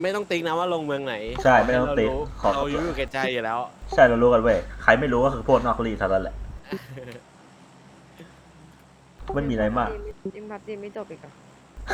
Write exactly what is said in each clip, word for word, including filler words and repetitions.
ไม่ต้องติ๊กนะว่าลงเมืองไหนใช่ไม่ต้องติ๊กเราอยู่อยู่ใกล้ๆอยู่แล้วใช่เรารู้กันเว้ยใครไม่รู้ก็คือพวกนอกรีเท่านั้นแหละไม่มีอะไรมากยังพับจีไม่จบอีกเหรอ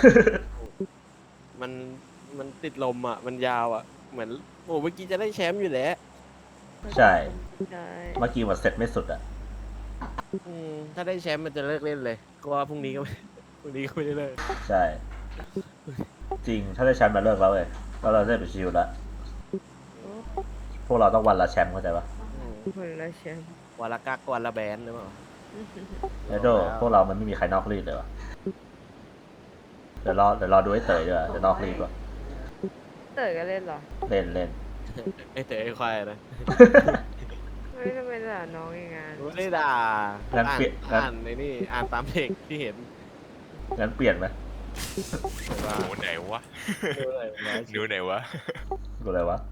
มันมันติดลมอ่ะมันยาวอ่ะเหมือนโอ้เมื่อกี้จะได้แชมป์อยู่แล้วใช่ใช่เมื่อกี้มันเสร็จไม่สุดอ่ะอืมถ้าได้แชมป์มันจะเลิกเล่นเลยก็ว่าพรุ่งนี้ก็ไม่พรุ่งนี้ก็ไม่ได้เลิกใช่จริงถ้าได้แชมป์มาเลิกแล้วเลยแล้วเราได้ไปชิลแล้วพวกเราต้องวันละแชมป์เข้าใจปะคนละแชมป์วันละกักวันละแบนหรือเปล่าเดี๋ยวโดพวกเรามันไม่มีใครนอกรีดเลยวะเดี๋ยวรอเดี๋ยวรอดูไอ้เต๋อดีกว่าจะนอกรีดวะเต๋อก็เล่นเหรอเล่นเล่นไอ้เต๋อไอ้ควายนะไม่ทำไมด่าน้องอย่างงั้นไม่ได้ด่างั้นเปลี่ยนงั้นอ่านในนี่อ่านตามเพลงที่เห็นงั้นเปลี่ยนไหมหนูไหนวะหนูไหนวะดูอะไรวะ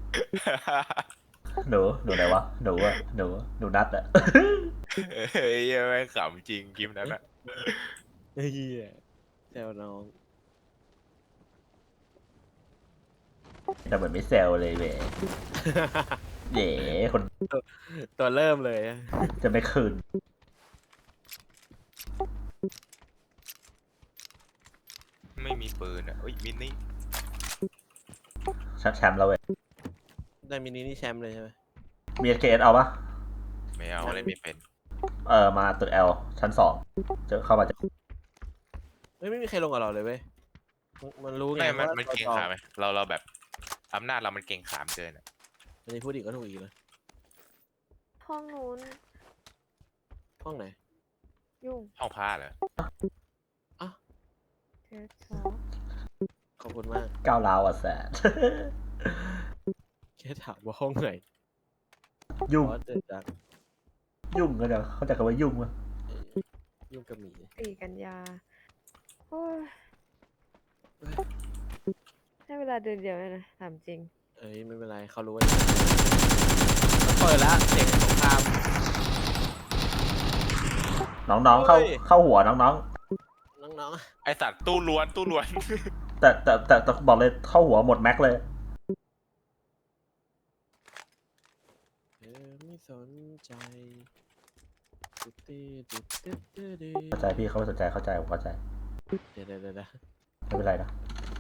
หนูหนูไหนวะหนูอะหนูหนูนัดอะเฮ้ยแม่งขำจริงคลิปนั้นอะเฮียแซวน้องแต่เหมือนไม่แซวเลยเว้ยเย่คนตัวเริ่มเลยจะไม่คืนไม่มีปืนอ่ะเอ้ยมินิชัดแชมป์แล้วเว้ยได้มินินี่แชมป์เลยใช่ไหมมี เอส เค เอส เอาปะไม่เอาอะไรไม่เป็นเออมาตึก L ชั้นสองเจอเข้ามาจะเฮ้ยไม่มีใครลงกับเราเลยเว้ยมันรู้ไงไม่มันว่ามันเก่งขาไหมเราเราแบบอำนาจเรามันเก่งขามเกินอ่ะอันนี้พูดอีกก็ถูกอีกนะห้องนู้นห้องไหนยุ่งห้องผ้าเหรออ่ะเทสสองขอบคุณมากก้าวร้าวอ่ะแสนแค่ถามว่าห้องไหนยุ่งเกิดจากยุ่งก็จะเขาจะคำว่ายุ่งมั้ยยุ่งกับหมีสี่กันยาโอ้ยให้เวลาเดือนเดียวเลยนะถามจริงเอ้ยไม่เป็นไรเขารู้ว่าเปิดแล้วเสียงสงครามน้องๆเข้าเข้าหัวน้องๆน้องไอสัตว์ตู้ล้วนตู้ล้วนแต่แต่แต่แต่บอกเลยเข้าหัวหมดแม็กเลยๆไม่สนใจเข้าใจพี่เขาไม่สนใจเข้าใจผมเข้าใจเดี๋ยวเดี๋ยวเดี๋ยวไม่เป็นไรนะ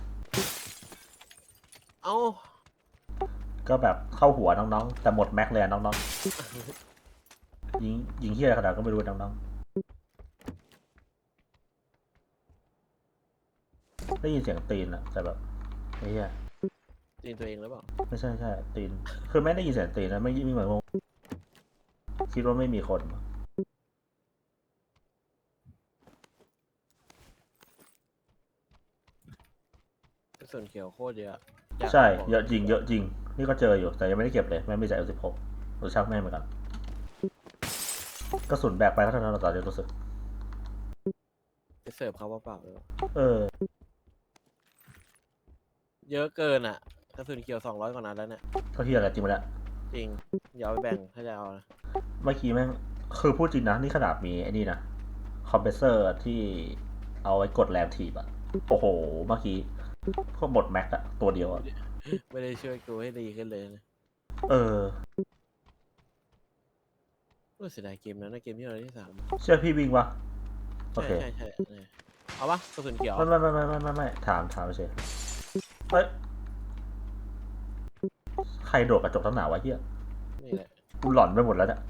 เอ้าก็แบบเข้าหัวน้องๆแต่หมดแม็กเลยน้องๆยิงยิงเฮี้ยขนาดก็ไม่รู้น้องๆได้ยินเสียงตีนอะแต่แบบไอ้เหี้ยตีนตัวเองหรือเปล่าไม่ใช่ใช่ตีนคือไม่ได้ยินเสียงตีนนะไม่ไม่เหมือนคิดว่าไม่มีคนส่วนเขียวโคตรเยอะใช่เยอะจริงเยอะจริงนี่ก็เจออยู่แต่ยังไม่ได้เก็บเลยไม่ไม่จ่าย เอล สิบหก หรือช่างแม่เหมือนกันกระสุนแบกไปก็เท่านั้นเราต่อจะรู้สึกไปเสิร์ฟเขาเปล่าเลยเออเยอะเกินอ่ะกระสุนเขียวสองร้อยกว่านัดแล้วเนี่ยก็เฮียอะไรจริงไหมเนี่ยจริงอย่าเอาไปแบ่งถ้าจะเอานะเมื่อกี้แม่งคือพูดจริงนะนี่ขนาดมีไอ้นี่นะคอมเพรสเซอร์ที่เอาไว้กดแรงถีบอะโอ้โหเมื่อกี้ก็หมดแม็กอะตัวเดียวอะไม่ได้ช่วยกูให้ดีขึ้นเลยนะเออก็เสียดายเกมนั้นนะเกมที่เราที่สามเชื่อพี่วิ่งวะโอเคใช่ใช่ใช่เอาปะกระสุนเขียวไม่ไม่ไม่ไม่ไม่ไม่ไม่ถามถามเฉยเฮ้ยใครโดดกระจกตั้งหนาวะเฮียนี่แหละกูหลอนไปหมดแล้วเนี่ย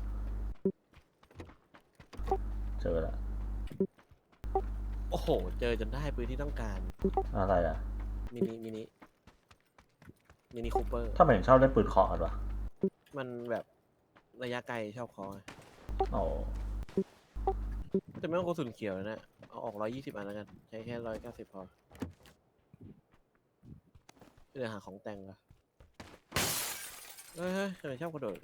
เจอแล้วโอ้โหเจอจนได้ปืนที่ต้องการอะไรอ่ะมินิมินิมินิคูเปอร์ถ้ามันชอบเล่นปืนเคาะกันวะมันแบบระยะไกลชอบคออ๋อแต่ไม่ต้องกระสุนเขียวนะเอาออกร้อยยี่สิบอันแล้วกันใช้แค่ร้อยเก้าสิบพอเดี๋ยวหาของแต่งละเฮ้ยเฮ้ยทำไมชอบกระโดด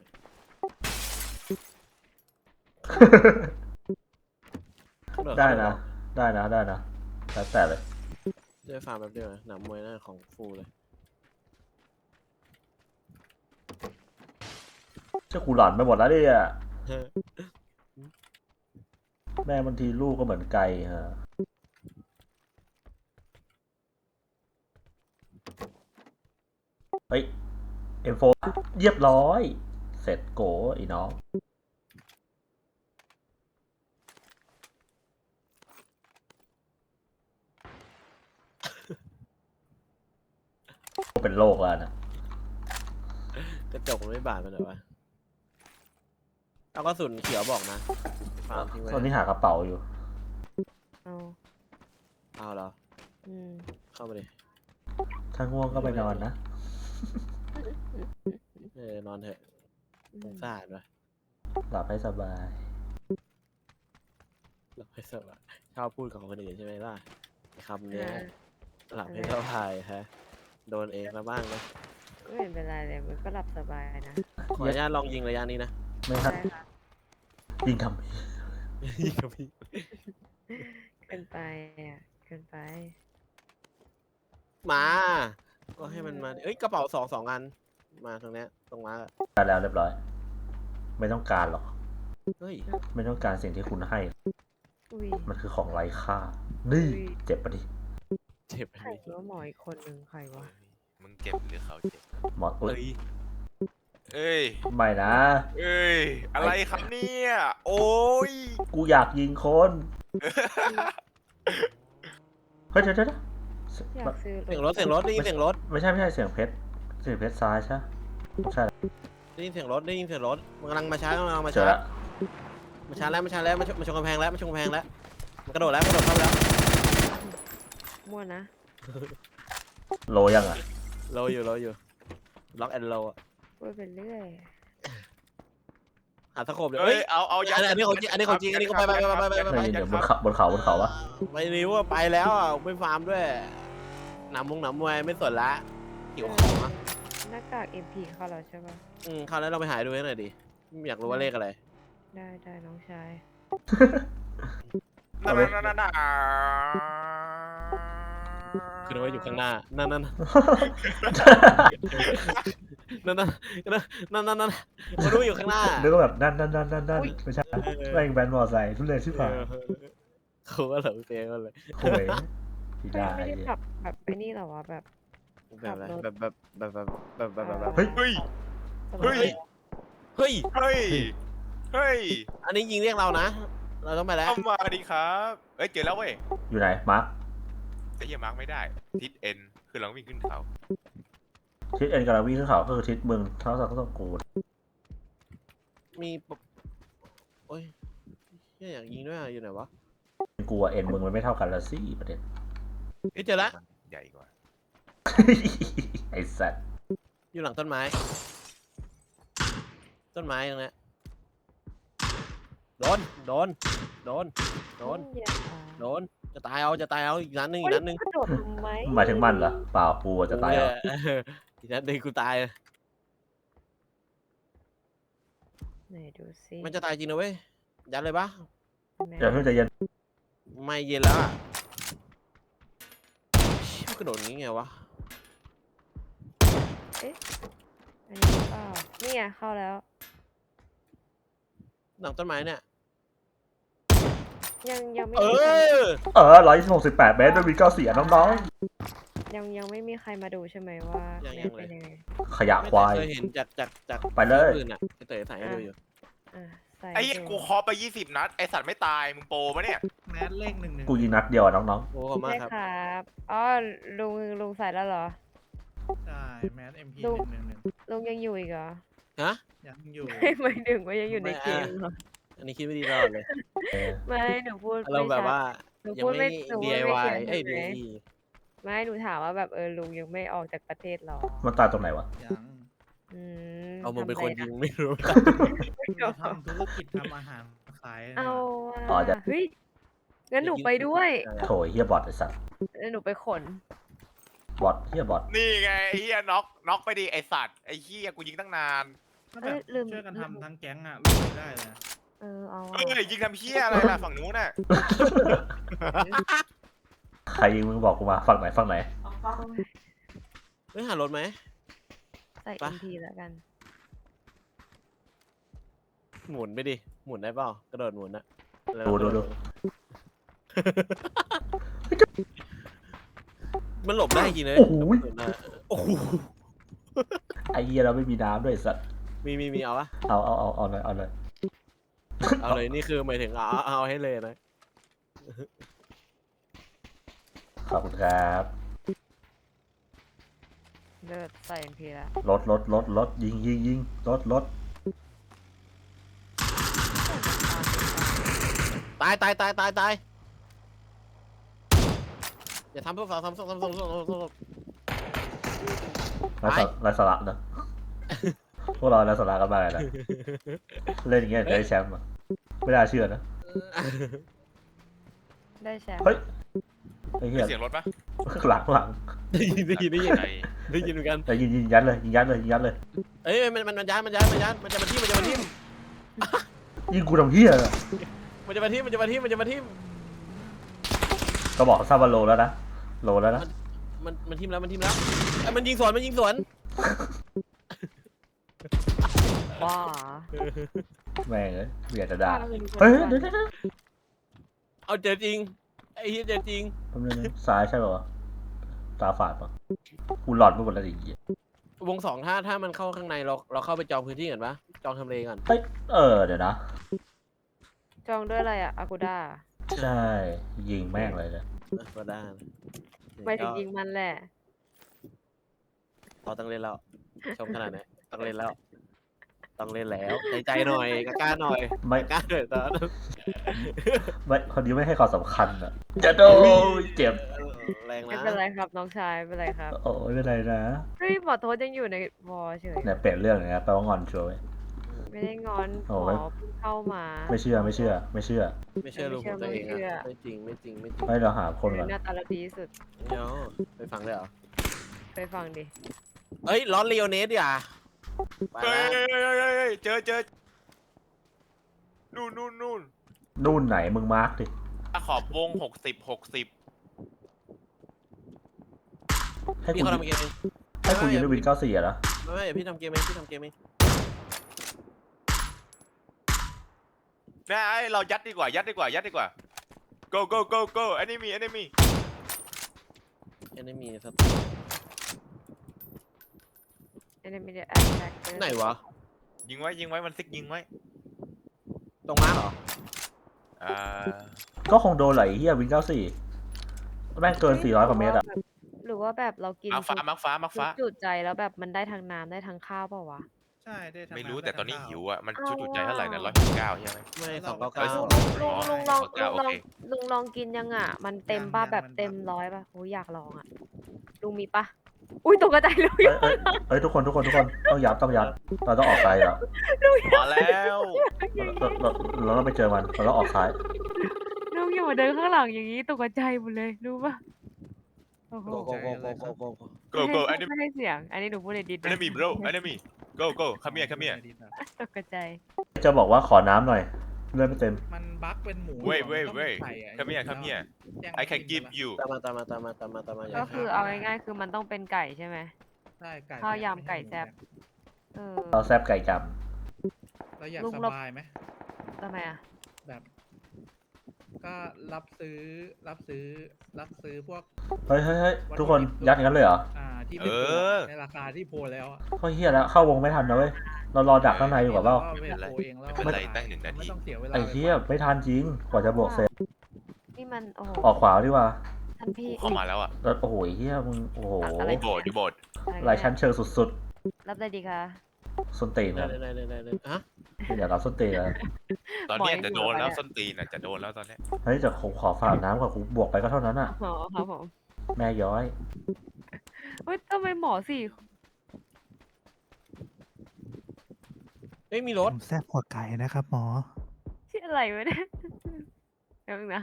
ได้นะได้นะได้นะแล้วแต่เลยเจอฟาร์มแบบเดียวนะหนามมวยหน้าของฟูเลยเจ้ากูหลอนไปหมดแล้วดิอ่ะแม่บางทีลูกก็เหมือนไก่ฮะเฮ้ย เอ็ม โฟร์ เรียบร้อย เสร็จโกอีน้องเป็นโรคแล้วนะกระจกมันไม่บาดมันเหรอวะเอากระสุนเขียวบอกนะฟาร์มทิ้งไว้ตอนนี้หากระเป๋าอยู่เอาเอาเหรออืมเข้ามาดิถ้าง่วงก็ไปนอนนะเออนอนเถอะอืสมงสารวะหลับให้สบายหลับให้สบายชอบพูดกับคนอื่นใช่ไหมล่ะคำเนี้ยอ่าหลับให้สบายฮะโดนเองมาบ้างนะไม่เป็นไรเลยมันก็หลับสบายนะขออนุญาตลองยิงระยะนี้นะไม่ครับได้ค่ะยิงทำไมยิงกับพี่เกินไปอ่ะเกินไปมา ก็ให้มันมาดิเอ้ยกระเป๋าสองสองอัน มาตรงเนี้ยตรงมาร์กอะได้แล้วเรียบร้อย ไม่ต้องการหรอกเฮ้ยไม่ต้องการสิ่งที่คุณให้อุ้ยมันคือของไร้ค่า นี่อุ้ยเจ็บปะดิเจ็บใครว่าหมออีกคนหนึ่งใครวะมึงเจ็บหรือเขาเจ็บหมออุ้เอ้ยยเอ้ยไม่นะเอ้ย อะไรครับเนี่ย โอ้ยกูอยากยิงคน เฮ้ยเดี๋ยวเดี๋ยวเดี๋ยวอยากซื้อเสียงรถเสียงรถได้ยินเสียงรถไม่ใช่ไม่ใช่เสียงเพชร เสียงเพชรซ้ายใช่ใช่ได้ยินเสียงรถได้ยินเสียงรถมันกำลังมาช้ากำลังมาเจอช้าละมาช้าแล้วมาช้าแล้วมาชนมาชนกำแพงแล้วมาชนกำแพงแล้วมันกระโดดแล้วกระโดดเข้าไปแล้วมั่วนะโลยังอ่ะโลอยู่โลอยู่ล็อกแอนด์โลพูดไปเรื่อยหาสโคปเดี๋ยวเอ้เอ้ยยเอาเอาอันนี้อันนี้ของจริงอันนี้ของจริงอันนี้ก็ไปไปไปไปไปไปไม่เดี๋ยวบนเขาบนเขาบนเขาวะไม่รู้ว่าไปแล้วอ่ะไม่ฟาร์มด้วยหนำมงหนำมวยไม่สนละหิวของอ่ะหน้ากาก เอ็ม พี เข้าแล้วใช่ปะอืมคราวนี้เราไปหาดูให้หน่อยดิอยากรู้ว่าเลขอะไรได้ได้น้องชายนั่นนั่นนั่นนั่นคือนึกว่าอยู่ข้างหน้านั่นนั่นนั่นนั่นนั่นนั่นนั่นนั่นมันรู้อยู่ข้างหน้านึกว่าแบบนั่นนั่นนั่นนั่นนั่นอุ๊ยไม่ใช่แม่งแบนมอไซค์ทุเรศที่ผ่านเขาว่าเหลาเตียงกันเลยโอ้ยที่ได้ไม่ได้ขับแบบไอ้นี่เหรอวะแบบแบบอะไรแบบแบบแบบแบบแบบแบบแบบแบบเฮ้ยเฮ้ยสบาเฮ้ยเฮ้ยเฮ้ย เฮ้ยอันนี้ยิงเรียกเรานะ เราต้องไปแล้วเข้ามาดีครับ เอ้ยเจอแล้วเว้ยอยู่ไหน มาร์คไอ้เหี้ยมาร์กไม่ได้ ทิศเอ็น คือเราวิ่งขึ้นเขาทิศเอ็นกำลังวิ่งขึ้นเขาก็คือทิศเมืองเท่ากับต้องกูดมีปะโอ้ยเหี้ยอยากยิงด้วยอะอยู่ไหนวะกูกับเอ็นมึงมันไม่เท่ากันละสิประเด็นเอ้ยเจอละใหญ่กว่าไอ้สัตว์อยู่หลังต้นไม้ ต้นไม้ตรงเนี้ยโดน โดน โดน โดนอย่าโดน จะตายเอา จะตายเอา อีกนัดหนึ่งอีกนัดหนึ่งกระโดดลงไหมหมายถึงมันเหรอ เปล่ากูจะตายแล้วเอออีกนัดหนึ่งกูตายไหนดูซิมันจะตายจริงนะเว้ย ยัดเลยปะแม่เดี๋ยวเพิ่งใจะเย็นไม่เย็นแล้วอะเชี่ยมันกระโดดอย่างงี้ไงวะอันนี้หรือเปล่านี่ไงเข้าแล้วหลังต้นไม้เนี่ยยังยังไม่เอมีใครอเออร้อยหกสิบแปดเมตรด้วยมีเก้าเสียน้องยังยังไม่มีใครมาดูใช่ไหมว่ายังเนี่ยัยงเลยเป็นยังไงๆ ขยะควายเคยเห็นจากจากจากไปเลยปืนอะไอเต๋อถ่ายให้ดูอยู่อ่ะใส่ไอ้เหี้ยดูกูเคอไปยี่สิบนัด ไอสัตว์ไม่ตาย มึงโปรปะเนี่ยแมสเลขหนึ่งหนึ่งกูยิงนัดเดียวอะน้องโอ้ขอบคุณมากใช่ครับครับอ๋อลุงลุงใส่แล้วเหรอใช่แมสเอ็มพีดูหนึ่งหนึ่งหนึ่งลุงยังอยู่อีกเหรอฮะยังอยู่หมายถึงว่ายังอยู่ในเกมเหรออันนี้คิดไม่ดีตลอดเลยๆเออไม่หนูพูดเราแบบว่าหนูยังพูดไม่ไม่หนูพูดดีไม่ไอ วายเขียนเอ้ยใช่ดีไหมอีไม่หนูถามว่าแบบเออลุงยังไม่ออกจากประเทศหรอมันตายตรงไหนวะยังอืมเอามึงเป็นคนทำยิอะงไม่รู้เราทำธุรกิจทำอาหารขายเอาอ๋ออะจะเฮ้ยงั้นหนูไปด้วยโถยเฮียบอทไอ้สัตว์แล้วหนูไปขนบอทเฮียบอทนี่ไงไอ้เหี้ยน็อกน็อกไปดิไอสัตว์ ไอ้เหี้ยกูยิงตั้งนานก็แบบเอ้ยลืมช่วยกันลืมทำทั้งแก๊งอ่ะไม่ได้เลยเออเอาเอ้ยยิงทำเหี้ยอะไรล่ะฝั่งนู้นน่ะใครยิงมึงบอกกูมาฝั่งไหนฝั่งไหนเฮ้ยหารถไหมใส่ไปเอ็มพีแล้วกันหมุนไปดิ หมุนได้เปล่ากระโดดหมุนอะแล้วดูดูดูมันหลบได้จริงเลยโอ้โหโอ้โหอ้เหี้ยเราไม่มีน้ำด้วยสัตว์มีมีมีเอาปะเอาเอาเอาเอาเลยเอาเลยเอาเลยนี่คือหมายถึงเอาเอาเอาให้เลยนะขอบคุณครับเลิศใส่เอ็มพีละรถรถรถรถยิงยิงยิงรถรถตายตายตายตายตายอย่าทำพวกเราทำทำทำทำทำทำทำไร้สาไร้สาระนะ พวกเราไร้สาระกันมากเลยนะเล่นอย่างเงี้ยจะได้แชมป์อ่ะไม่น่าเชื่อนะได้แชมป์เฮ้ยไอ้เหี้ยเสียงรถปะหลังหลังได้ยินได้ยินได้ยินใจได้ยินเหมือนกันแต่ยิงยิงยัดเลยยิงยัดเลยยิงยัดเลยเอ้ยมันมันมันย้ายมันย้ายมันย้ายมันจะมาทิ่มมันจะมาทิ่มยิงกูทำเหี้ยเลยมันจะมาทิ่มมันจะมาทิ่มมันจะมาทิ่มก็บอกทราบว่าโลแล้วนะโลแล้วนะมันมันทิ่มแล้วมันทิ่มแล้วไอ้ยมันยิงสวนมันยิงสวนว้าแม่งเอ้ยเบียดจะด่าเฮ้ยเดี๋ยวเดี๋ยวเดี๋ยวเอาเจอจริงไอ้เหี้ยเจอจริงแป๊บนึงนะซ้ายใช่ป่าวะตาฝาดป่ะกูหลอดไปหมดแล้วดิเหี้ยวงสองถ้าถ้ามันเข้าข้างในเราเราเข้าไปจองพื้นที่ก่อนปะจองทำเลก่อนเฮ้ยเออเดี๋ยวนะจองด้วยอะไรอะอากูด้าใช่ยิงแม่งเลยเนี่ยอ่ะก็ได้ไม่ถึงยิงมันแหละพอต้องเล่นแล้วชมขนาดไหนต้องเล่นแล้วต้องเล่นแล้วใจใจหน่อยกล้าๆหน่อยไม่กล้าหน่อยตอนไม่คนนี้ไม่ให้ความสำคัญอ่ะจะโดนเจ็บแรงไม่นะเป็นไรครับน้องชายไม่เป็นไรครับโอ้ยไม่เป็นไรนะเฮ้ยหมอโทษยังอยู่ในวอเฉยเนี่ยเปลี่ยนเรื่องเลยนะแปลว่างอนชัวร์เว้ยไม่ได้งอนหโอ้มไม่อเพิ่งเข้ามาไม่เชื่อไม่เชื่อ ไม่เชื่อไม่เชื่อลูกของตัวเองไม่เชื่ออะไม่จริงไม่จริงไม่จริงให้เราหาคนก่อนหน้าตาเราดีที่สุดเดี๋ยวไปฟังเลยเหรอไปฟังดิเอ้ยร้อนเรียวเนสดิอ่ะไปเฮ้ยแล้วเฮ้ยเฮ้ยเฮ้ยเจอเจอนู่นนู่นนู่นนู่นไหนมึงมาร์กดิขอบวงหกสิบหกสิบให้พี่กูเขายิงทำเกมเองให้กูยิงด้วยวินเก้าสี่อะนะไม่ไม่พี่ทำเกมเองพี่ทำเกมเองนะไอ้เรายัดดีกว่ายัดดีกว่ายัดดีกว่า go go go go enemy enemy ยังไม่มีสักเอ็นมีเดียแอคแท็กไหนวะยิงไว้ยิงไว้มันซิกยิงไว้ตรงม้าเหรออ่าก็คงโดนไหลเฮียวินเก้าสี่แม่งเกินสี่ร้อยกว่าเมตรอะหรือว่าแบบเรากินมักฟ้ามักฟ้ามักชุฟ้าดจุดใจแล้วแบบมันได้ทั้งน้ำได้ทั้งข้าวเปล่าวะใช่ได้ทั้งไม่รู้ำแต่ตอนนี้และทั้งหิวข้าอ่ะมันเอาชุดจุใจเท่าไหร่นะร้ว่ะอยสิบเก้าใช่ไหมไม่สองเก้าเอ้เก้ายลุงลุงลองอ๋อลุงลองโอเคลุงลองกินยังอ่ะ มันเต็มป่ะแบบเต็มร้อยป่ะโอ้ยอยากลองอ่ะลุงมีป่ะอุ้ยตกใจเลยเอ้ยเอ้ยเอ้ยทุกคนทุกคนทุกคนต้องยัดต้องยัดเราต้องออกซ้ายแล้วมาแล้วเราเราเราต้องไปเจอมันเราต้องออกซ้ายลุงอย่ามาเดินข้างหลังอย่างนี้ตกใจหมดเลยรู้ป่ะโอ้โหโกโกโกโกโกโกโก go go ไม่ enemy ให้ไม่ให้เสียง อันนี้หนูพูดในดิสนะ enemy bro enemy go go come here come here ตกใจจะบอกว่าขอน้ำหน่อยเลือดไม่เต็มมันบั๊กเป็นหมู wait มัน wait ต้อง wait ไข่อะ come here come here แย่ง I can กิน give ไปละ you ตามมาตามมาตามมาตามมาตามมาอย่าก็คือเอาง่ายๆคือมันต้องเป็นไก่ใช่ไหมใช่ไก่ข้าวยำไก่แซ่บ เออเราแซบไก่จเราอยากลุงสเราบายไหมทำไมอ่ะแบบ ก็รับซื้อรับซื้อรับซื้อพวกำเฮ้ยเฮ้ยเฮ้ยทุกคนยัดอย่างนั้นเลยเหรออ่าที่เป็นเอตัวอในราคาที่โพลแล้วอะก็เฮียแล้วเข้าวงไม่ทันนะเว้ยเรารอดักข้างในอยู่กับเปล่าไม่เป็นไรโพลเองแล้วไม่เป็นไรตั้งหนึ่งนาทีไม่ต้องเสียเวลาไอ้เฮียไม่ทันจริงกว่าจะบวกเสร็จนี่มันโอ้โหออกขวาดีกว่าท่านพี่เข้ามาแล้วอ่ะแล้วโอ้โหเฮียมึงโอ้โหอะไรโบดอยู่โบดหลายชั้นเชิงสุดรับได้ดีคะๆส้นตีนได้นะได้ได้ได้ได้ฮะอย่ารับส้นตีนนะตอนเนี้ยจะโดนแล้วส้นตีนอ่ะจะโดนแล้วตอนเนี้ยเฮ้ยจะขอขอฝากน้ำกับกูบวกไปก็เท่านั้นอ่ะอ๋อครับผมแม่ย้อยเฮ้ยทำไมหมอสี่เอ้ยมีรถผมแซ่บกว่าไก่นะครับหมอชื่ออะไรวะเนี่ยเดี๋ยวนึงนะ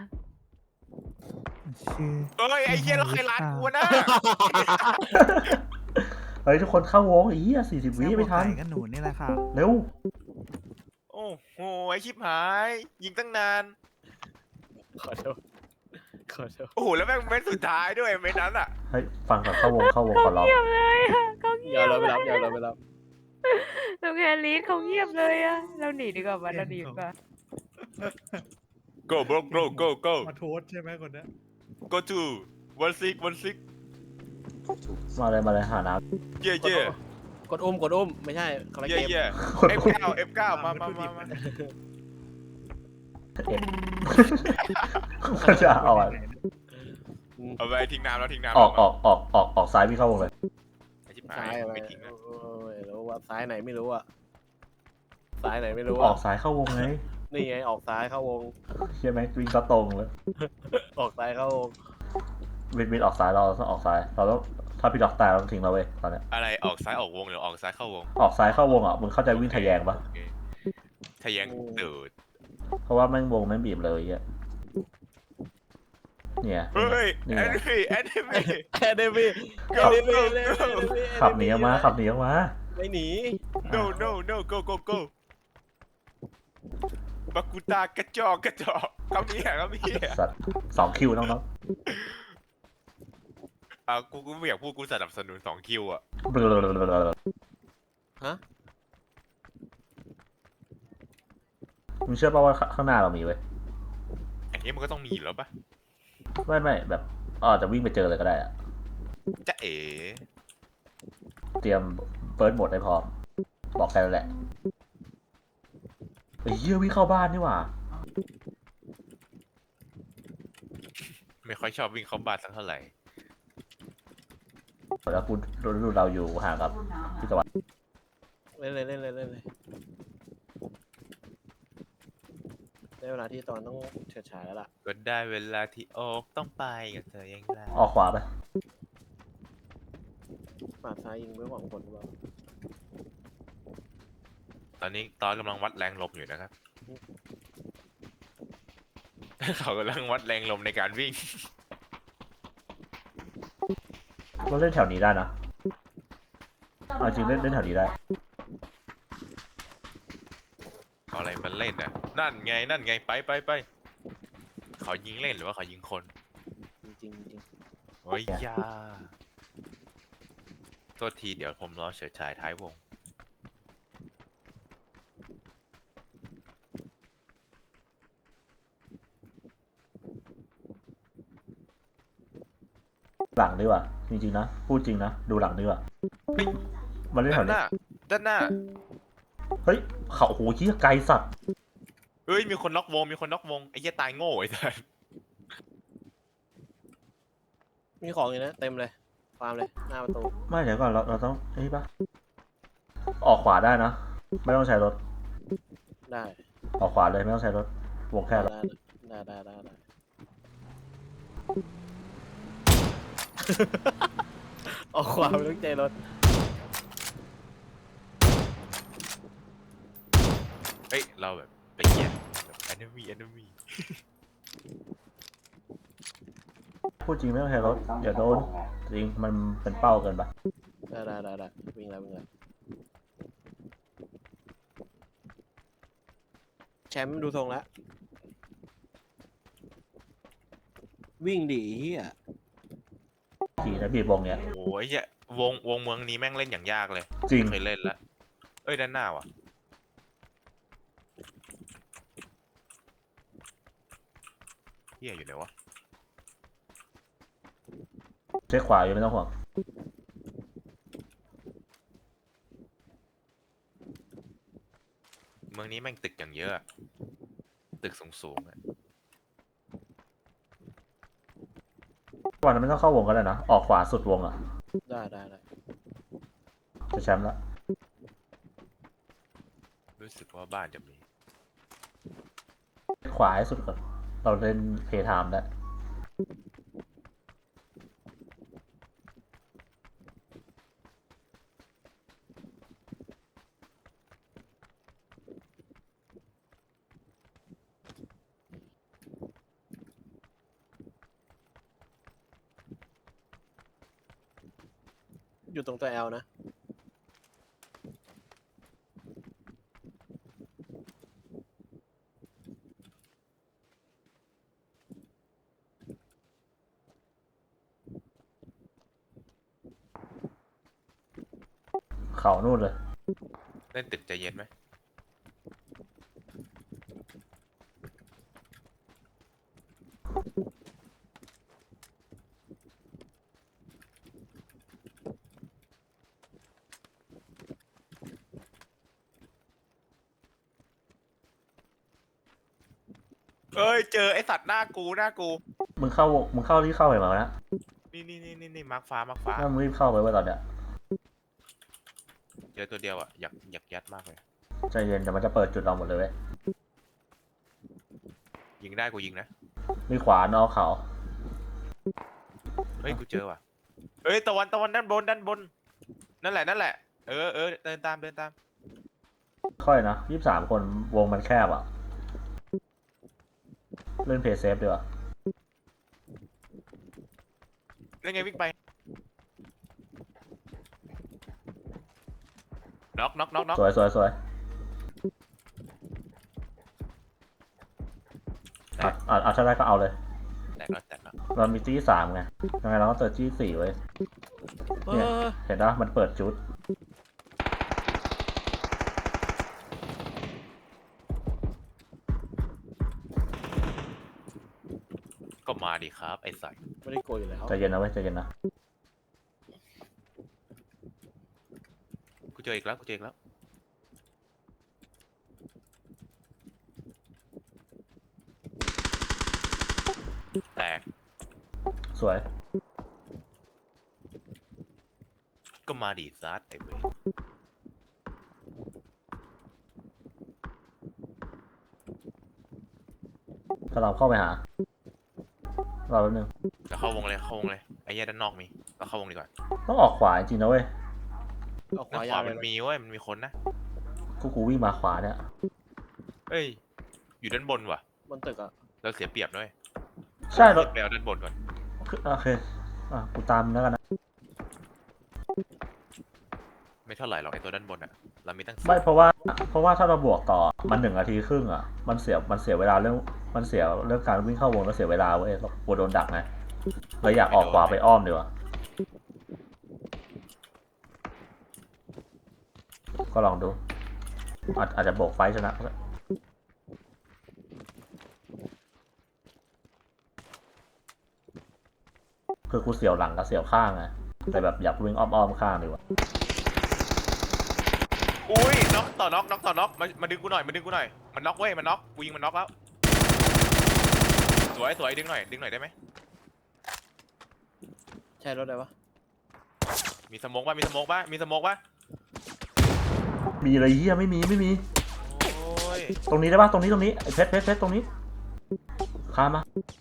ชื่อเอ้ยไอ้เหี้ยแล้วใครร้านกูวะนะเฮ้ยทุกคนเข้าวงไอ้เหี้ยสี่สิบวิแซ่บกไม่ว่าทันไก่ก็หนูนี่แหละค่ะเร็วโอ้โหไอ้ชิบหาย ยิงตั้งนานขอโทษขอโทษโอ้โหแล้วแม่งเม็ดสุดท้ายด้วยเม็ดนั้นอ่ะเฮ้ยฟังก่อนเข้าวงเข้าวงขอร้องเงียบเลยอะเขาเงีอย่ายบเราไปรับอย่าเราไปรับตรงแฮร์รี่เขาเงียบเลยอะเราหนีดีกว่าวันเราหนีดีกว่า go bro go go go มาโทษใช่ไหมคนเนี้ย go to one six one six มาเลยมาเลยหาน้เย่เย่กดอุ้มกดอุ้มไม่ใช่คนละเย่เกมเย่เอฟเก้าเอฟเก้ามามามามาเอ็ดก็จะเอาอะเอาไปทิ้งน้ำแล้วทิ้งน้ำออกออกออกออกออกซ้ายวิ่งเข้าวงเลยไอ้ชิบหาซ้ายยอะไรไม่ทิ้งนะโอ้ยรู้ว่าซ้ายไหนไม่รู้อะซ้ายไหนไม่รู้ออะอกซ้ายเข้าวงไงนี่ไงออกซ้ายเข้าวงใช่ไหมวิ่งก็ตรงเลยออกซ้ายเข้าวงวินวินออกซ้ายเราต้องออกซ้ายเราต้องถ้าพี่ด็อกตายเราต้องทิ้งเราเว้ยตอนเนี้ยอะไรออกซ้ายออกวงหรือออกซ้ายเข้าวงออกซ้ายเข้าวงอ่ะมึงเข้าใจวิ่งทะแยงปะโอเคทะแยงตูดเพราะว่าแม่งวงแม่งบีบเลยอ่ะเนี่ยเฮ้ยนี่แอไงนมี่แอนมี่แอดเดมี่ Go, แอดเดมี่ go, go ขับหนีออกมาขับหนีออกมาไม่หนี no no no go go go บักกุตากระจอกกระจอกเขามีอ่ะเขามีอ่ะสัตว์สองคิวน้องอ่ะกูกูไม่อยากพูดกูสนับสนุนสองคิวอ่ะๆฮะมึงเชื่อป่ะว่าข้างหน้าเรามีเว้ยอย่างนี้มันก็ต้องมีอยู่แล้วปะไม่ไม่แบบอาจจะวิ่งไปเจอเลยก็ได้อะจะเอ๋เตรียมเฟิร์สโหมดให้พร้อมบอกแค่นั้นแหละไอ้เหี้ยวิ่งเข้าบ้านนี่หว่าไม่ค่อยชอบวิ่งเข้าบ้านสักเท่าไหร่แล้วกูดูเราอยู่ห่างกับพี่ตะวันเล่นเลยเล่นเลยเล่นเลยได้เวลาที่ตอนต้องเฉิดฉายแล้วล่ะก็ได้เวลาที่โอกต้องไปกับเธอยังไงออกขวาไปปาดซ้ายยิงไม่หวังผลหรือเปล่าตอนนี้ตอนกำลังวัดแรงลมอยู่นะครับ เขากำลังวัดแรงลมในการวิ่งเราเล่นแถวนี้ได้นะเอาจริงเล่นเล่นแถวนี้ได้เอาอะไรมาเล่นน่ะ นั่นไงนั่นไงไปไปไปเขายิงเล่นหรือว่าเขายิงคนจริงจริงจริงโอ้ยยาโทษทีเดี๋ยวผมรอเฉิดฉายท้ายวงหลังดีกว่าจริงๆนะพูดจริงนะดูหลังดีกว่าเฮ้ยมันเล่นแถด้าวนหนี้น้าด้านหน้าเฮ้ยเขาโหเหี้ยไกลสัตว์เฮ้ยมีคนน็อกวงมีคนน็อกวงไอ้เหี้ยตายโง่ไอ้สัสมีของอยู่นะเต็มเลยฟาร์มเลยหน้าประตูไม่เดี๋ยวก่อนเราเราต้องเฮ้ยปะออกขวาได้นะไม่ต้องใช้รถได้ออกขวาเลยไม่ต้องใช้รถวงแค่ได้ละได้ได้ได้ได้ออกขวาไม่ต้องใจรถเฮ้ยเราแบบไปเหี้ยแบบแอนมี่แอนมี่พูดจริงไม่ต้องใช้รถเดี๋ยวโดนจริงมันเป็นเป้าเกินปะได้ได้ได้ได้วิ่งแล้ววิ่งแล้วแชมป์ดูทรงแล้ววิ่งดีเฮียขี่นะบีบวงเนี้ยโอ้ยเหี้ยวงวงเมืองนี้แม่งเล่นอย่างยากเลยจริงไม่เคยเล่นละเอ้ยด้านหน้าว่ะเหี้ยอยู่ไหนวะเช็คขวาอยู่ไม่ต้องห่วงเมืองนี้แม่งตึกอย่างเยอะอะตึกสูงสูงๆอะวันนั้นไม่ต้องเข้าวงก็ได้นะออกขวาสุดวงอ่ะได้ได้ได้จะแชมป์ละรู้สึกว่าบ้านจะมีขวาให้สุดก่อนเราเล่นเพย์ไทม์แล้วอยู่ตรงตัวแอลนะเขานู่นเลยเล่นตึกใจเย็นไหมเอ้ยเจอไอสัตว์หน้ากูหน้ากูมึงเข้ามึงเข้ารีบเข้าไปมานะนี่นี่นี่นี่นี่มาร์คฟ้ามาร์คฟ้าถ้ามึงรีบเข้าไปไว้ตอนเนี้ยเจอตัวเดียวอ่ะอยากอยากยัดมากเลยใจเย็นเดี๋ยวมันจะเปิดจุดเราหมดเลยเว้ยยิงได้กูยิงนะมีขวานอกเขาเฮ้ยกูเจอว่ะเอ้ยตะวันตะวันด้านบนด้านบนนั่นแหละนั่นแหละเออเออเดินตามเดินตามค่อยนะยี่สิบสามคนวงมันแคบอ่ะ เล่นเพย์เซฟดีกว่าเล่นไงวิ่งไปน็อกน็อกน็อกน็อกสวยสวยสวยอ่ะอ่ะอ่ะถ้าได้ก็เอาเลยแตกแล้วแตกแล้วเรามีจี้สามไงยังไงเราก็เติร์จี้สี่ไว้ยเอเนี่ยอเห็นปะมันเปิดจุดก็มาดิครับไอ้สัตว์ไม่ได้โกยอยู่แล้วใจเย็นนะเว้ยใจเย็นนะกูเจออีกแล้วกูเจออีกแล้วแตกสวยก็มาดิซัดไอ้เว้ยถ้าเราเข้าไปหา เราแป๊บนึงแล้วเข้าวงเลยเข้าวงเลยไอ้เหี้ยด้านนอกมีเราเข้าวงดีกว่าต้องออกขวาจริงๆนะเว้ยเอาขด้านขายวาวเลมัยนนะมีเว้ยมันมีคนนะกูกูวิ่งมาขวาเนี่ยเอ้ยอยู่ด้านบนว่ะบนตึกอ่ะเราเสียเปรียบด้วยใช่รถไปเอาด้านบนก่อนโอเคอ่ะกูตามแล้วกันนะไม่เท่าไหร่หรอกไอ้ตัวด้านบนอ่ะเรามีตั้งไม่เพราะว่า เพราะว่าถ้าเราบวกต่อมันหนึ่งนาทีครึ่งอ่ะ มันเสียมันเสียเวลาเรื่องมันเสียเรื่องการวิ่งเข้าวงแล้วเสียเวลาเว้ยเรากลัวโดนดักไงเลยอยากออกขวาไปอ้อมดีกว่าก็ลองดู อาจอาจจะโบกไฟชนะก็ได้คือกูเสียวหลังกับเสียวข้างไงแต่แบบอยากวิ่งอ้อมๆข้างดีกว่าอุ้ยน็อกต่อน็อกน็อกต่อน็อกมามาดึงกูหน่อยมาดึงกูหน่อยมันน็อกเว้ยมันน็อกกูยิงมันน็อกแล้วสวยสวยดึงหน่อยดึงหน่อยได้ไหมใช่รถอะไรวะมีสโมกป่ะมีสโมกป่ะมีสโมกป่ะมีอะไรเฮียไม่มีไม่มีโอ้ยตรงนี้ได้ปะตรงนี้ตรงนี้ไอ้เพชรเพชรเพชรตรงนี้ข้ามมา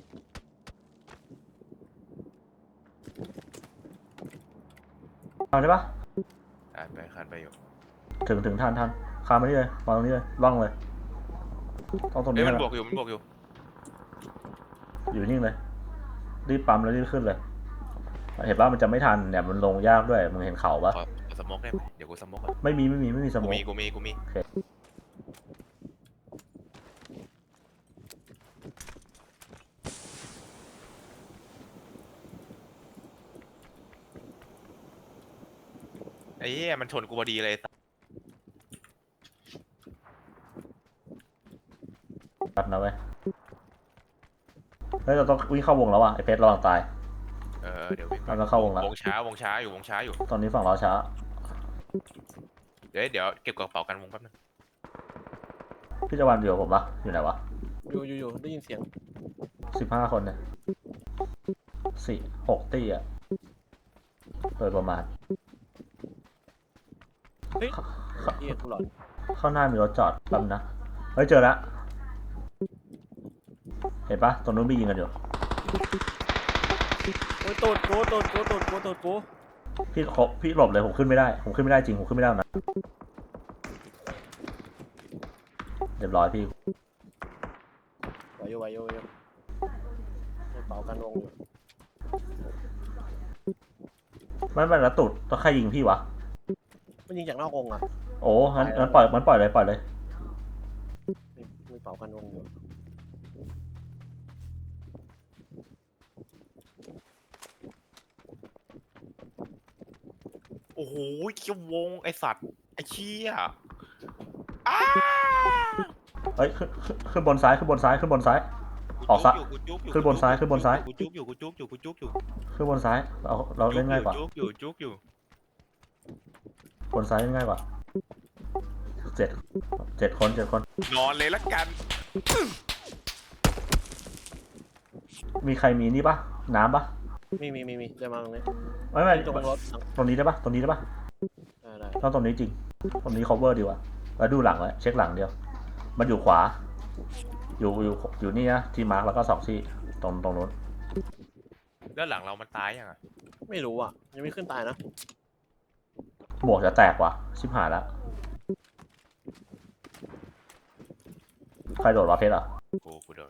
เอาได้ปะอ่านไปคานไปอยู่ถึงถึงทันทันข้ามมานี่เลยวางตรงนี้เลยล่องเลยต้องตรงเอ้นี้ยมันนะบวกอยู่มันบวกอยู่อยู่นิ่งเลยรีบปั๊มแล้วรีบขึ้นเลยเห็นปะมันจะไม่ทันเนี่ยมันลงยากด้วยมึงเห็นเขาปะขอสโมกได้ไหมเดี๋ยวกูสโมกก่อนไม่มีไม่มีไม่มีสกูมองมีกูมีกูมี ไอ้เหี้ยมันชนกูพอดีเลยตัดนะเว้ยเฮ้ยเราต้องวิ่งเข้าวงแล้วอ่ะไอ้เพชรระวังตายเออเดี๋ยววิ่งเราต้องเข้าวงแล้ววงช้าวงช้าอยู่วงช้าอยู่ตอนนี้ฝั่งเราช้าเดี๋ยวเดี๋ยวเก็บกระเป๋ากันวงแป๊บนึงพี่จะวันอยู่กับผมปะอยู่ไหนวะอยู่อยู่อยู่ได้ยินเสียงสิบห้าคนเนี่ยสี่หกตีอ่ะโดยประมาณเฮ้ยเฮียกูหลอนข้างหน้ามีรถจอดแป๊บนะ เฮ้ยเจอแล้ว เห็นปะตรงนู้นมียิงกันอยู่โอ้ยตูดกูตูดกูตูดกูตูดกูพี่ขอพี่หลบเลยผมขึ้นไม่ได้ ผมขึ้นไม่ได้จริง ผมขึ้นไม่ได้นะเรียบร้อยพี่ไหวอยู่ไหวอยู่ไหวอยู่ในเป๋ากันวงอยู่ไม่ไม่แล้วตุดต้องใครยิงพี่วะมันยิงจากนอกวงอ่ะโอ้งั้นงั้นปล่อยมันปล่อยเลยปล่อยเลยมีมีเป๋ากันวงอยู่โอ้โหเกี่ยววงไอสัตว์ไอเชี่ยอ้าเฮ้ยขึ้นขึ้นขึ้นบนซ้ายขึ้นบนซ้ายขึ้นบนซ้าย ออกซ้ายกูจุกอยู่ขึ้นบนซ้ายขึ้นบนซ้ายกูจุกอยู่กูจุกอยู่กูจุกอยู่ขึ้นบนซ้ายเราเราเล่นง่ายกว่าจุกอยู่จุกอยู่บนซ้ายเล่นง่ายกว่าเจ็ดเจ็ดคนเจ็ดคนนอนเลยละกันมีใครมีนี่ปะน้ำปะมีมีมีมีจะมาตรงนี้ไม่ไม่ตรงรถตรงนี้ได้ปะตรงนี้ได้ปะได้ได้ต้องตรงนี้จริง ตรงนี้ cover ดีกว่าแล้วดูหลังไว้เช็คหลังเดียว มันอยู่ขวา อยู่อยู่อยู่นี่นะที่มาร์กแล้วก็สองที่ตรงตรงนู้นด้านหลังเรามันตายยังอ่ะไม่รู้อ่ะยังไม่ขึ้นตายนะหมวกจะแตกว่ะ ชิบหายแล้ว ใครโดดวะเพชรอ่ะกูกูโดน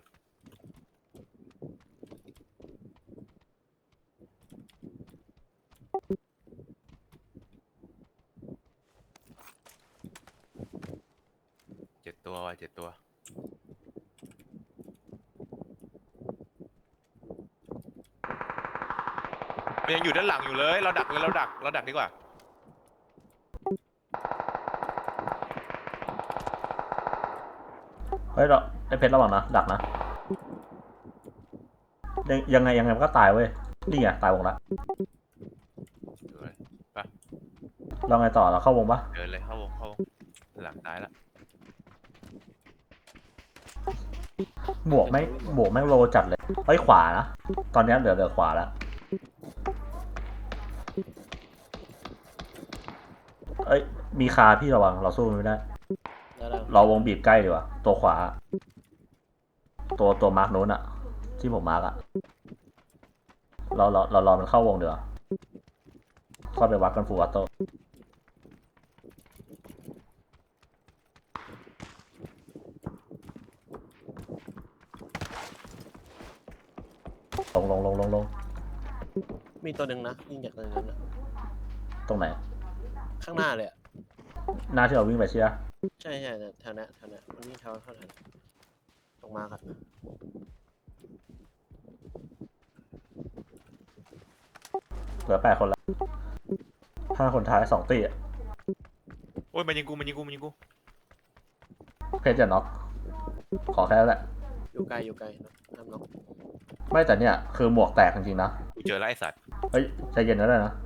เจ็ดตัวว่ะเจ็ดตัวมันยังอยู่ด้านหลังอยู่เลย เราดักเลยเราดักเราดักดีกว่าเฮ้ยเราไอเพชรระวังนะ ดักนะ ยังยังไงยังไงมันก็ตายเว้ย นี่ไงตายวงละดูเลยเราไงต่อเราเข้าวงปะเดินเลยเข้าวงเข้าวงหลังตายละหมวกไม่หมวกแม่งโลจัดเลยเฮ้ยขวานะ ตอนนี้เหลือเหลือขวาแล้ว เอ้ยมีคาพี่ระวังเราสู้มันไม่ได้ได้ได้เราวงบีบใกล้ดีกว่า ตัวขวา ตัวตัวมาร์กโน้นอะที่ผมมาร์กอะเราเราเรารอมันเข้าวงเดี๋ยวาเข้าไปวัดกันฟูลวัตโต้ลงลงลงลงลงมีตัวหนึ่งนะยิงจากตรงนั้นนะตรงไหนข้างหน้าเลยอะหน้าที่เราวิ่งไปใช่ไหมใช่ใช่แถวเนี้ยแถวเนี้ยมันวิ่งแถวเท่าไหร่ตรงมาครับเหลือแปดคนละห้าคนท้ายสองตีอะโอ้ยมันยิงกูมันยิงกูมันยิงกูเพชรจะน็อกขอแค่นั้นแหละอยู่ไกลอยู่ไกลนะห้ามน็อกไม่แต่เนี่ยคือหมวกแตกจริงๆนะกูเจอแล้วไอ้สัตว์เฮ้ยใจเย็นนะเลยนะ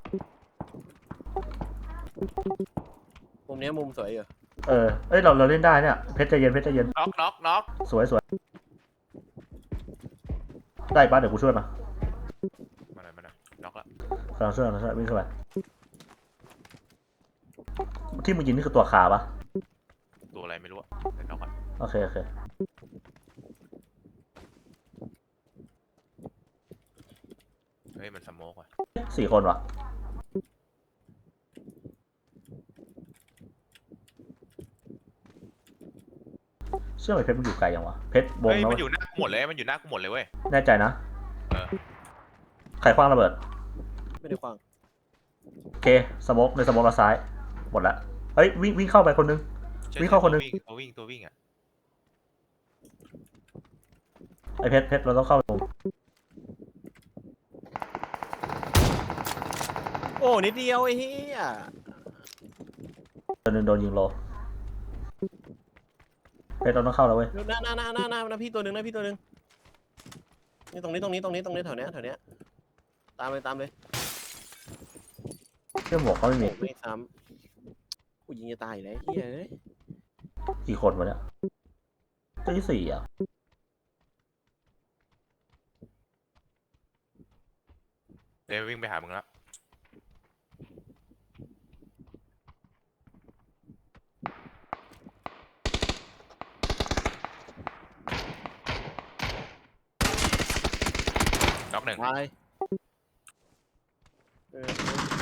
มุมเนี้ยมุมสวยอยู่เออเอ้ยเราเราเล่นได้เนี่ยเพชรใจเย็นเพชรใจเย็นน็อกน็อกน็อกสวยสวยได้ปะเดี๋ยวกูช่วยมามาหน่อยมาหน่อยน็อกละกำลังช่วยกำลังช่วยวิ่งเข้าไปที่มึงยิงนี่คือตัวคาปะตัวอะไรไม่รู้อะแต่น็อกอะโอเคโอเคเฮ้ยมันสโมกว่ะสี่คนวะเชื่อไหมเพชรมันอยู่ไกลยังวะเพชรวงเฮ้ยนะมันเว้ยอยู่หน้ากูหมดเลยมันอยู่หน้ากูหมดเลยเว้ยแน่ใจนะเออใครคว้างระเบิดไม่ได้ขวางโอเคสโมกในสโมกเราซ้ายหมดละเฮ้ยวิ่งวิ่งเข้าไปคนนึงใช่วิ่งเข้าคนหนึ่งตัววิ่งตัววิ่งอะไอเพชรเพชรเราต้องเข้าตรงโอ้นิดเดียวไอ้เหี้ยตัวหนึงโดนยิงโลเพชรเราต้องเข้าแล้วเว้ยหน้าหน้าหน้าหน้าหน้าหน้าพี่ตัวหนึ่งหน้าพี่ตัวหนึ่งนี่ตรงนี้ตรงนี้ตรงนี้ตรงนี้แถวเนี้ยแถวเนี้ยตามเลยตามเลยเชื่อหมวกเขาไม่มีโอ้ไม่ซ้ำกูยิงจะตายอยู่แล้วไอ้เหี้ยเอ้ยกี่คนวะเนี่ยตัวที่สี่อ่ะเดี๋ยววิ่งไปหามึงละน็อกหนึ่งตายเออ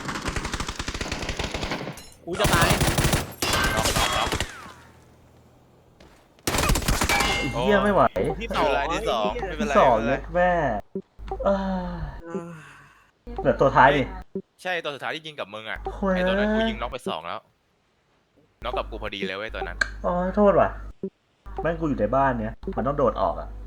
กูจะตายน็อกน็อกน็อกไอ้เหี้ยไม่ไหวที่ไม่สองเป็นไรที่สองไม่เป็นที่ไรสองไม่เลเป็นไรยแม่เอ้ยเหลือตัวท้ายดิใช่ตัวสุดท้ายที่ยิงกับมึงอะโอ้ยไอตัวนั้นกูยิงน็อกไปสองแล้วน็อกกับกูพอดีเลยเว้ยตัวนั้นอ๋อโทษว่ะแม่งกูอยู่ในบ้านเนี้ยมันต้องโดดออกอ่ะ